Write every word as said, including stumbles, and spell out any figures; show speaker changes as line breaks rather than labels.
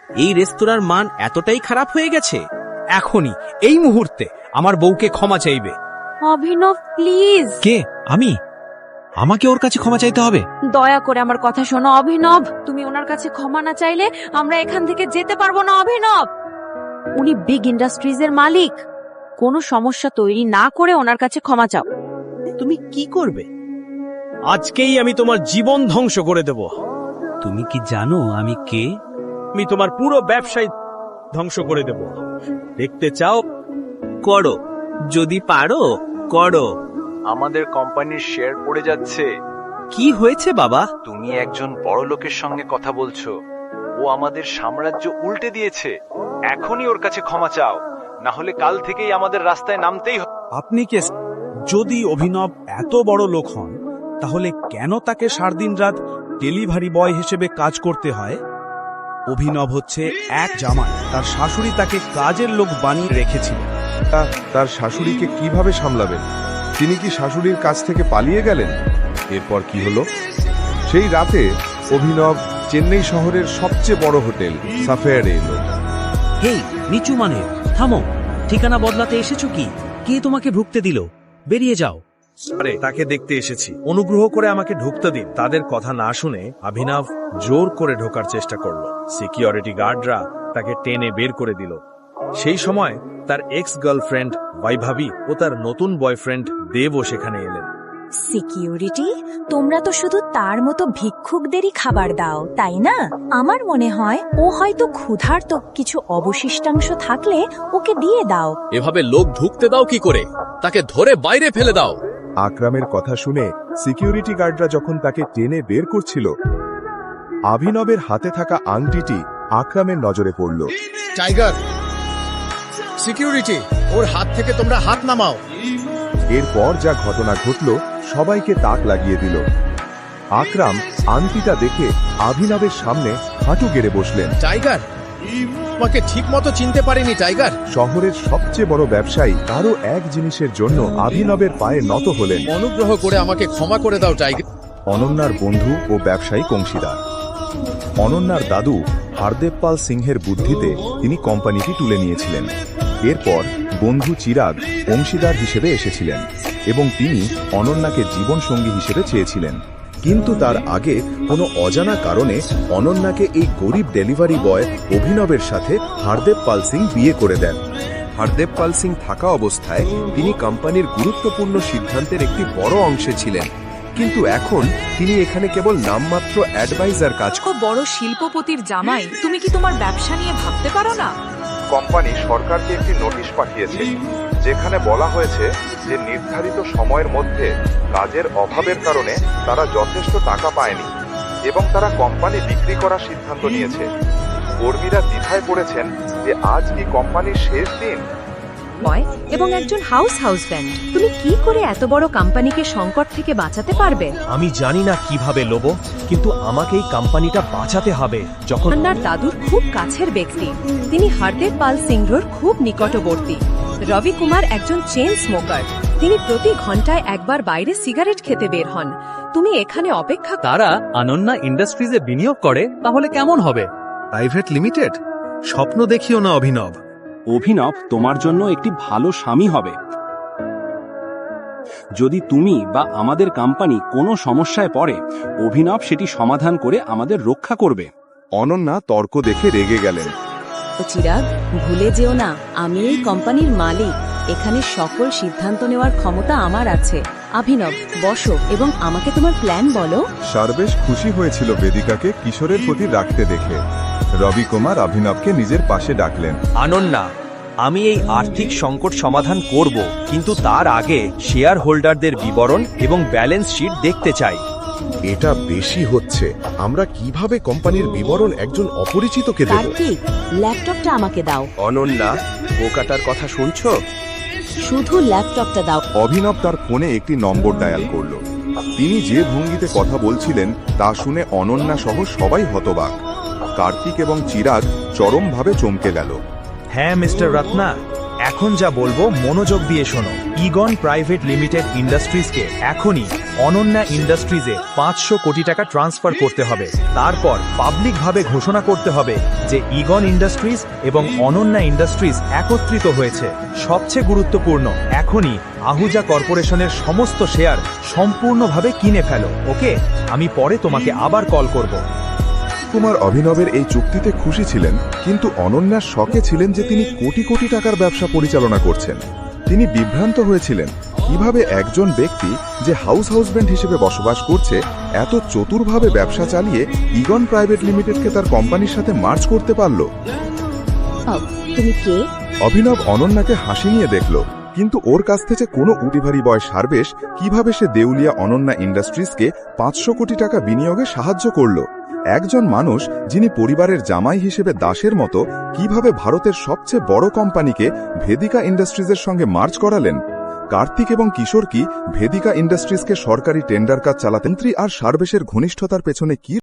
এই রেস্তোরাঁর মান এতটাই খারাপ হয়ে গেছে?
এখনই এই মুহূর্তে আমার বউকে ক্ষমা চাইবে।
অভিনব প্লিজ।
কে? আমি? আমাকে ওর কাছে ক্ষমা চাইতে হবে?
দয়া করে আমার কথা শোনো অভিনব, তুমি ওনার কাছে ক্ষমা না চাইলে আমরা এখান থেকে যেতে পারবো না অভিনব। উনি বিগ ইন্ডাস্ট্রিজ এর মালিক, কোনো সমস্যা তৈরি না করে ওনার কাছে ক্ষমা চাও।
তুমি কি করবে?
আজকেই আমি তোমার জীবন ধ্বংস করে দেব।
তুমি কি জানো আমি কে?
আমি তোমার পুরো ব্যবসায় ধ্বংস করে দেব। দেখতে চাও?
করো, যদি পারো করো।
আমাদের কোম্পানির শেয়ার পড়ে যাচ্ছে।
কি হয়েছে বাবা?
তুমি একজন বড় লোকের সঙ্গে কথা বলছো। ও আমাদের সাম্রাজ্য উল্টে দিয়েছে। এখনই ওর কাছে ক্ষমা চাও, না হলে কাল থেকেই আমাদের রাস্তায় নামতেই হবে।
আপনি কে? যদি অভিনব এত বড় লোক হন, তাহলে কেন তাকে সারাদিন রাত ডেলিভারি বয় হিসেবে কাজ করতে হয়? অভিনব হচ্ছে এক জামাই, তার শাশুড়ি তাকে কাজের লোক বানিয়ে রেখেছিল।
তা- তার শাশুড়িকে কিভাবে সামলাবেন? তিনি কি শাশুড়ির কাছ থেকে পালিয়ে গেলেন? এরপর কি হলো? সেই রাতে অভিনব চেন্নাই শহরের সবচেয়ে বড় হোটেল সাফেয়ারে এলো।
হেই নিচু মানে, থামো। ঠিকানা বদলাতে এসেছো কি? কে তোমাকে ঢুকতে দিল? বেরিয়ে যাও।
আরে তাকে দেখতে এসেছি, অনুগ্রহ করে আমাকে ঢুকতে দিন। তাদের কথা না শুনে অভিনব জোর করে ঢোকার চেষ্টা করলো। সিকিউরিটি গার্ডরা তাকে টেনে বের করে দিল। সেই সময় তার এক্স গার্লফ্রেন্ড বৈভবী ও তার নতুন বয়ফ্রেন্ড দেবও সেখানে এলেন।
সিকিউরিটি, তোমরা তো শুধু তার মতো ভিক্ষুকদেরই খাবার দাও, তাই না? আমার মনে হয় ও হয়তো ক্ষুধার্ত, কিছু অবশিষ্টাংশ থাকলে ওকে দিয়ে দাও।
এভাবে লোক ঢুকতে দাও কি করে? তাকে ধরে বাইরে ফেলে দাও।
আকরামের কথা শুনে সিকিউরিটি গার্ডরা যখন তাকে টেনে বের করছিল, অভিনবের হাতে থাকা আংটিটি আকরামের নজরে পড়ল।
টাইগার, সিকিউরিটি, ওর হাত থেকে তোমরা হাত নামাও।
এরপর যা ঘটনা ঘটল সবাইকে তাক লাগিয়ে দিল। আকরাম আংটিটা দেখে অভিনবের সামনে হাঁটু গেড়ে বসলেন।
টাইগার, তোমাকে ঠিক মতো চিনতে পারিনি টাইগার।
শহরের সবচেয়ে বড় ব্যবসায়ী কারো এক জিনিসের জন্য অভিনবের পায়ে নত হলেন।
অনুগ্রহ করে আমাকে ক্ষমা করে দাও টাইগার।
অনন্যার বন্ধু ও ব্যবসায়িক অংশীদার। অনন্যার দাদু হারদেব পাল সিংহের বুদ্ধিতে তিনি কোম্পানিটি তুলে নিয়েছিলেন। এরপর বন্ধু চিরাগ অংশীদার হিসেবে এসেছিলেন এবং তিনি অনন্যাকে জীবনসঙ্গী হিসেবে চেয়েছিলেন। কিন্তু তার আগে কোনো অজানা কারণে অনন্যাকে এই গরিব ডেলিভারি বয় অভিনবের সাথে হারদেব পাল সিং বিয়ে করে দেন। হারদেব পাল সিং থাকা অবস্থায় তিনি কোম্পানির গুরুত্বপূর্ণ সিদ্ধান্তের একটি বড় অংশে ছিলেন, কিন্তু এখন তিনি এখানে কেবল নামমাত্র অ্যাডভাইজার কাজ করেন।
ও বড় শিল্পপতির জামাই, তুমি কি তোমার ব্যবসা নিয়ে ভাবতে পারো না?
কোম্পানি সরকারকে একটি নোটিশ পাঠিয়েছে, যেখানে বলা হয়েছে যে নির্ধারিত সময়ের মধ্যে কাজের অভাবের কারণে তারা যথেষ্ট টাকা পায়নি এবং তারা কোম্পানি বিক্রি করার সিদ্ধান্ত নিয়েছে। কর্মীরা দ্বিধায় পড়েছেন যে আজ কি কোম্পানির শেষ দিন।
বয় এবং একজন হাউস হাউসব্যান্ড, তুমি কি করে এত বড় কোম্পানিকে সংকট থেকে বাঁচাতে পারবে?
আমি জানি না কিভাবে লোব, কিন্তু আমাকে এই কোম্পানিটা বাঁচাতে হবে। যখন
অনন্যার দাদুর খুব কাছের ব্যক্তি, তিনি হারদেব পাল সিংহর খুব নিকটবর্তী। রবি কুমার একজন চেইন স্মোকার, তিনি প্রতি ঘন্টায় একবার বাইরে সিগারেট খেতে বের হন। তুমি এখানে অপেক্ষা।
তারা অনন্যা ইন্ডাস্ট্রিজে বিনিয়োগ করে, তাহলে কেমন হবে?
Private limited? স্বপ্ন দেখিও না অভিনব।
অভিনব তোমার জন্য একটি ভালো স্বামী হবে যদি তুমি বা আমাদের কোম্পানি কোনো সমস্যায় পড়ে। অভিনব সেটি সমাধান করে আমাদের রক্ষা করবে।
অনন্যা তর্ক দেখে রেগে গেলেন।
চিরাগ, ভুলে যেও না আমি এই কোম্পানির মালিক, এখানে সকল সিদ্ধান্ত নেওয়ার ক্ষমতা আমার আছে। অভিনব, বসো এবং আমাকে তোমার প্ল্যান বলো।
সর্বেশ খুশি হয়েছিল বেদিকাকে কিশোরের প্রতি রাখতে দেখে। রবি কুমার অভিনবকে নিজের পাশে ডাকলেন।
অনন্যা, আমি এই আর্থিক সংকট সমাধান করব, কিন্তু তার আগে শেয়ার হোল্ডারদের বিবরণ এবং ব্যালেন্স শিট দেখতে চাই।
এটা বেশি হচ্ছে। আমরা কিভাবে কোম্পানির বিবরণ একজন অপরিচিতকে দেব?
কার্তিক, ল্যাপটপটা আমাকে দাও।
অনন্যা, বোকাটার কথা শুনছো?
শুধু ল্যাপটপটা দাও।
অভিনব তার ফোনে একটি নম্বর ডায়াল করল। তিনি যে ভঙ্গিতে কথা বলছিলেন তা শুনে অনন্যা সহ সবাই হতবাক। কার্তিক এবং চিরাগ চরমভাবে চমকে গেল।
হ্যাঁ মিস্টার রত্না, এখন যা বলবো মনোযোগ দিয়ে শোনো। ইগন প্রাইভেট লিমিটেড ইন্ডাস্ট্রিজকে এখনই অনন্যা ইন্ডাস্ট্রিজে পাঁচশো কোটি টাকা ট্রান্সফার করতে হবে। তারপর পাবলিকভাবে ঘোষণা করতে হবে যে ইগন ইন্ডাস্ট্রিজ এবং অনন্যা ইন্ডাস্ট্রিজ একত্রিত হয়েছে। সবচেয়ে গুরুত্বপূর্ণ, এখনই আহুজা কর্পোরেশনের সমস্ত শেয়ার সম্পূর্ণভাবে কিনে ফেলো। ওকে, আমি পরে তোমাকে আবার কল করব।
কুমার অভিনবের এই চুক্তিতে খুশি ছিলেন, কিন্তু অনন্যার শকে ছিলেন যে তিনি কোটি কোটি টাকার ব্যবসা পরিচালনা করছেন। তিনি বিভ্রান্ত হয়েছিলেন কিভাবে একজন ব্যক্তি যে হাউস হাউসব্যান্ড হিসেবে বসবাস করছে এত চতুরভাবে ব্যবসা চালিয়ে ইগন প্রাইভেট লিমিটেডকে তার কোম্পানির সাথে মার্জ করতে পারল।
তুমি কে?
অভিনব অনন্যাকে হাসি নিয়ে দেখল, কিন্তু ওর কাছ থেকে কোনো উটিভারি বয় সার্বেশ কিভাবে সে দেউলিয়া অনন্যা ইন্ডাস্ট্রিজকে পাঁচশো কোটি টাকা বিনিয়োগে সাহায্য করল। একজন মানুষ যিনি পরিবারের জামাই হিসেবে দাসের মতো কিভাবে ভারতের সবচেয়ে বড় কোম্পানিকে ভেদিকা ইন্ডাস্ট্রিজের সঙ্গে মার্জ করালেন। কার্তিক এবং কিশোর কি ভেদিকা ইন্ডাস্ট্রিজকে সরকারি টেন্ডার কাজ চালাতেন? আর সার্বেশের ঘনিষ্ঠতার পেছনে কি